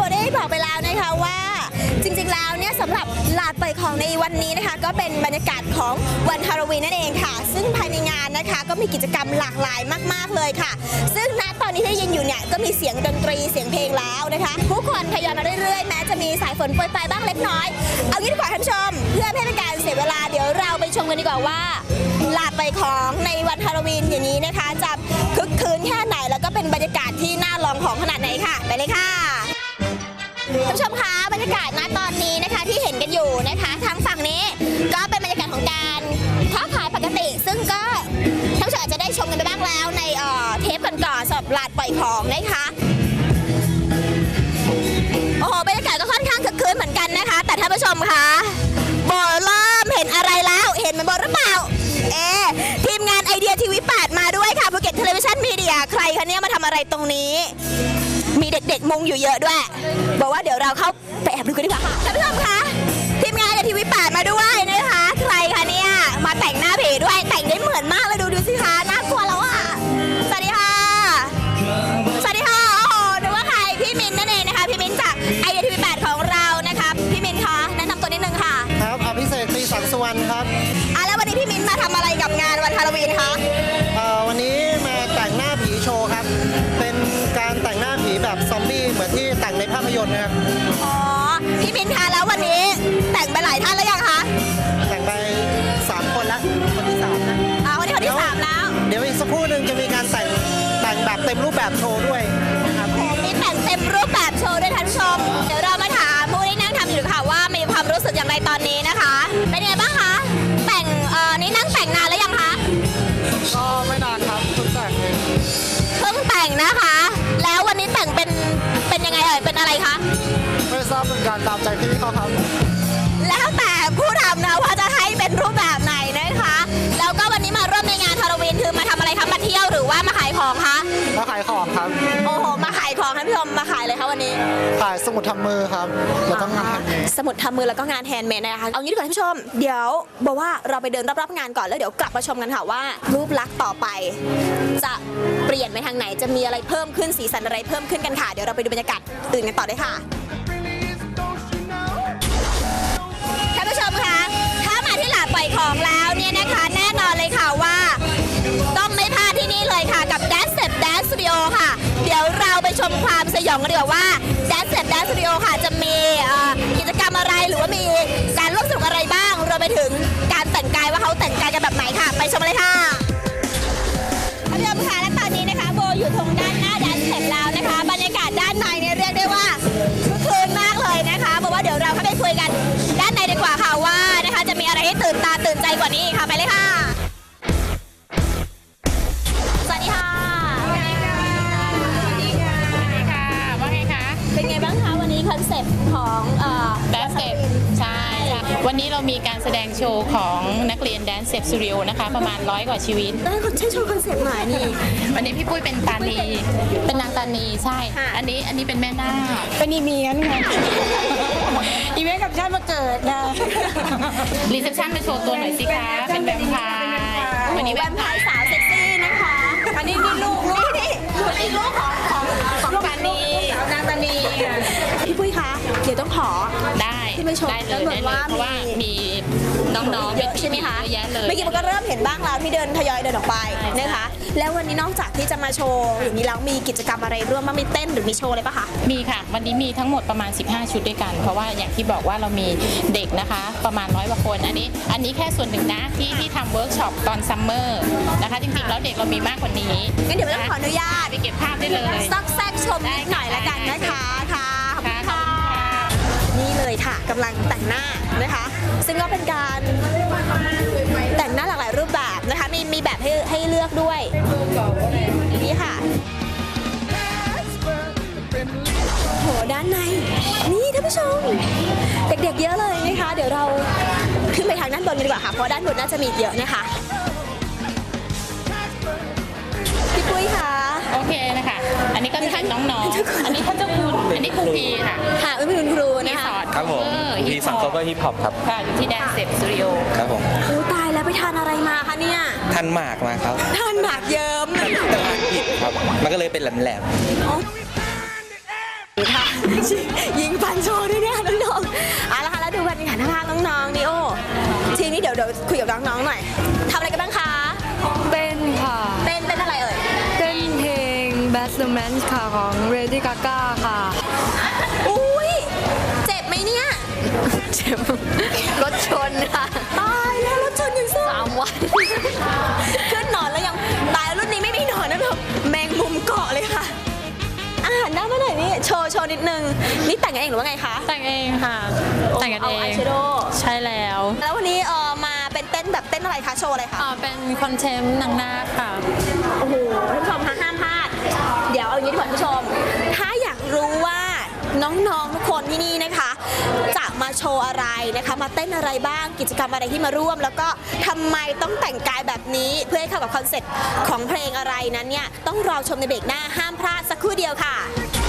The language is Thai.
ได้บอกไปแล้วนะคะว่าจริงๆแล้วเนี่ยสำหรับลานปล่อยของในวันนี้นะคะก็เป็นบรรยากาศของวันฮาโลวีนนั่นเองค่ะซึ่งภายในงานนะคะก็มีกิจกรรมหลากหลายมากๆเลยค่ะซึ่งณตอนนี้ที่ยินอยู่เนี่ยก็มีเสียงดนตรีเสียงเพลงแล้วนะคะผู้คนทยอยมาเรื่อยๆแม้จะมีสายฝนโปรยปลายบ้างเล็กน้อยเอางี้ดีกว่าท่านผู้ชมเพื่อไม่ให้เป็นการเสียเวลาเดี๋ยวเราไปชมกันดีกว่าว่าลานปล่อยของในวันฮาโลวีนอย่างนี้นะคะจะคึกคืนแค่ไหนแล้วก็เป็นบรรยากาศที่น่าลองของขนาดไหนค่ะไปเลยค่ะท่านผู้ชมคะบรรยากาศณตอนนี้นะคะที่เห็นกันอยู่นะคะทางฝั่งนี้ก็เป็นบรรยากาศของการค้าขายปกติซึ่งก็ท่านผู้ชมอาจจะได้ชมกันไปบ้างแล้วในเทปก่อนๆสำหรับลานปล่อยของนะคะโอ้โหบรรยากาศก็ค่อนข้างคึกคืนเหมือนกันนะคะแต่ท่านผู้ชมคะโบเริ่มเห็นอะไรแล้วเห็นมันโบหรือเปล่าทีมงานไอเดียทีวี8มาด้วยค่ะภูเก็ตเทเลวิชั่นมีเดียใครคะเนี่ยมาทำอะไรตรงนี้มีเด็กๆมุงอยู่เยอะด้วยบอกว่าเดี๋ยวเราเข้าไปแอบดูกันดีกว่าค่ะท่านผู้ชมคะทีมงานไอเดียทีวี8มาด้วยนะคะใครคะเนี่ยมาแต่งหน้าผีด้วยแต่งได้เหมือนมากเลยดูสิคะน่ากลัวแล้วอ่ะสวัสดีค่ะสวัสดีค่ะโอ้โหนึกว่าใครพี่มินนั่นเองนะคะพี่มินจากไอเดียทีวี8ของเรานะคะพี่มินคะแนะนำตัวนิดนึงค่ะครับอภิเษก ตรีสังสุวรรณครับแล้ววันนี้พี่มินมาทำอะไรกับงานวันฮาโลวีนคะวันนี้มาแต่งหน้าผีโชว์ครับเป็นการแต่งหน้าผีแบบซอมบี้เหมือนที่แต่งในภาพยนตร์นะครับอ๋อพี่มินคะแล้ววันนี้แต่งไปหลายท่านแล้วยังคะแต่งไป3 คนแล้วคนที่3นะวันนี้คนที่3แล้วเดี๋ยวอีกสักครู่หนึ่งจะมีการแต่งแบบเต็มรูปแบบโชว์ด้วยนะครับมีแต่งเต็มรูปแบบโชว์ด้วยท่านผู้ชมเดี๋ยวเรามาถามผู้ที่นั่งทำอยู่ค่ะว่ามีความรู้สึกอย่างไรตอนนี้นะคะเป็นไงบ้างคะแต่งนี่นั่งแต่งนานแล้วยังคะก็ไม่นานครับเพิ่งแต่งเองเพิ่งแต่งนะคะแล้ววันนี้แต่งเป็นยังไงเป็นอะไรคะไม่ทราบเป็นการตามใจพี่เขาครับแล้วแต่ผู้ทำนะว่าจะให้เป็นรูปแบบไหนนะคะแล้วก็วันนี้มาร่วมในงานฮาโลวีนคือมาทำอะไรคะมาเที่ยวหรือว่ามาขายของคะมาขายของครับโอ้โหมาขายของท่านผู้ชมมาขายเลยคะวันนี้ขายสมุดทำมือครับแล้วก็งานสมุดทำมือแล้วก็งานแฮนด์เมดนะคะเอางี้ดีกว่าท่านผู้ชมเดี๋ยวบอกว่าเราไปเดินรอบๆงานก่อนแล้วเดี๋ยวกลับมาชมกันค่ะว่ารูปลักษณ์ต่อไปจะเปลี่ยนไปทางไหนจะมีอะไรเพิ่มขึ้นสีสันอะไรเพิ่มขึ้นกันค่ะเดี๋ยวเราไปดูบรรยากาศอื่นกันต่อเลยค่ะท่านผู้ชมคะถ้ามาที่ลานปล่อยของแล้วเนี่ยนะคะแน่นอนเลยค่ะว่าต้องไม่พลาดที่นี่เลยค่ะกับ Dance Step Dance Studio ค่ะเดี๋ยวเราไปชมความสยองกันดีกว่าว่า Dance Step Dance Studio ค่ะจะมีกิจกรรมอะไรหรือว่ามีการร่วมสนุกอะไรบ้างรวมไปถึงการแต่งกายว่าเขาแต่งกายกันแบบไหนค่ะไปชมเลยค่ะท่านผู้ชมคะและตอนนี้นะคะโบอยู่ตรงด้านหน้า Dance Step แล้วนะคะบรรยากาศด้านในเนี่ยเรียกได้ว่าคึกคืนมากเลยนะคะบอกว่าเดี๋ยวเราเข้าไปคุยกันด้านในดีกว่าค่ะว่านะคะจะมีอะไรให้ตื่นตาตื่นใจกว่านี้ค่ะไปเลยค่ะสวัสดีค่ะสวัสดีค่ะสวัสดีค่ะว่าไงคะเป็นไงบ้างคะวันนี้คอนเซ็ปต์ของ Dance Step ใช่วันนี้เรามีการแสดงโชว์ของนักเรียน Dance Step Studio นะคะประมาณ100 กว่าชีวิตได้คนใช้โชว์คอนเซ็ปต์ไหนนี่วันนี้พี่ปุ้ยเป็นตานีเป็นนางตานีใช่อันนี้เป็นแม่นาคเป็นอีเมียนค่ะอีเมียนกับชาติมาเกิดนะรีเซพชันมาโชว์ตัวหน่อยสิคะเป็นแวมไพร์วันนี้แวมไพร์สาวเซ็กซี่นะคะอันนี้นี่ลูกนี่ลูกของตานีนางตานีพี่ปุ้ยคะเดี๋ยวต้องขอได้เลยเพราะว่ามีน้องๆเยอะใช่ไหมคะเยอะแยะเลยเมื่อกี้มันก็เริ่มเห็นบ้างแล้วที่เดินทยอยเดินออกไปนะคะแล้ววันนี้นอกจากที่จะมาโชว์อย่างนี้แล้วมีกิจกรรมอะไรร่วมบ้างมีเต้นหรือมีโชว์อะไรปะคะมีค่ะวันนี้มีทั้งหมดประมาณ15 ชุดด้วยกันเพราะว่าอย่างที่บอกว่าเรามีเด็กนะคะประมาณ100 กว่าคนอันนี้แค่ส่วนหนึ่งนะที่ทำเวิร์กช็อปตอนซัมเมอร์นะคะจริงๆแล้วเด็กเรามีมากกว่านี้งั้นเดี๋ยวต้องขออนุญาตไปเก็บภาพได้เลยซักแซกชมนิดหน่อยละกันนะคะค่ะนี่เลยค่ะกำลังแต่งหน้านะคะซึ่งก็เป็นการแต่งหน้าหลากหลายรูปแบบนะคะมีแบบให้เลือกด้วยนี่ค่ะโหด้านในนี่ท่านผู้ชมเด็กๆเยอะเลยนะคะเดี๋ยวเราขึ้นไปทางด้านบนกันดีกว่าค่ะเพราะด้านบนน่าจะมีเยอะนะคะพี่ปุ้ยค่ะโอเคนะคะอันนี้ก็เป็นน้องๆอันนี้เขาเจ้าคุณอันนี้ครูพีค่ะค่ะเป็นคุณครูนะคะครับผมพีสังคมก็ฮิปฮอปครับค่ะอยู่ที่ Dance Step Studio ครับผมโอ้ตายแล้วไปทานอะไรมาคะเนี่ยทานหมากมาครับทานหมากเยิ้มแต่หมากผิดครับมันก็เลยเป็นแหลมค่ะยิงฟันโชว์ด้วยเนี่ยน้องๆเอาละค่ะแล้วดูบรรยากาศข้างๆน้องๆนี่โอ้ทีนี้เดี๋ยวคุยกับน้องๆหน่อยทำอะไรกันบ้างคะเต้นค่ะเต้นอะไรเอ่ยเต้นเพลง Bad Romance ค่ะของ Lady Gaga ค่ะอุ้ยเจ็บไหมเนี่ยเจ็บรถชนค่ะตายแล้วรถชนอย่างซ่า 3 วันขึ้นนอนแล้วยังตายรุ่นนี้ไม่มีนอนนะแบบแมงมุมเกาะเลยค่ะหันหน้ามาหน่อยนี่โชว์นิดนึงนี่แต่งกันเองหรือว่าไงคะแต่งเองค่ะ แต่งกันเอเอางอายแชโดว์ใช่แล้วแล้ววันนี้มาเป็นเต้นแบบเต้นอะไรคะโชว์อะไรคะเป็นคอนเทนต์นางนาคค่ะโอ้โหท่านผู้ชมคะห้ามพลาดเดี๋ยวเอาอย่างนี้ดีกว่าท่านผู้ชม ถ้าอยากรู้ว่าน้องๆทุกคนที่นี่นะคะ จะมาโชว์อะไรนะคะมาเต้นอะไรบ้างกิจกรรมอะไรที่มาร่วม แล้วก็ทำไมต้องแต่งกายแบบนี้เพื่อให้เข้ากับคอนเซ็ปต์ของเพลงอะไรนั้นเนี่ยต้องรอชมในเบรกหน้าห้ามพลาดสักครู่เดียวค่ะ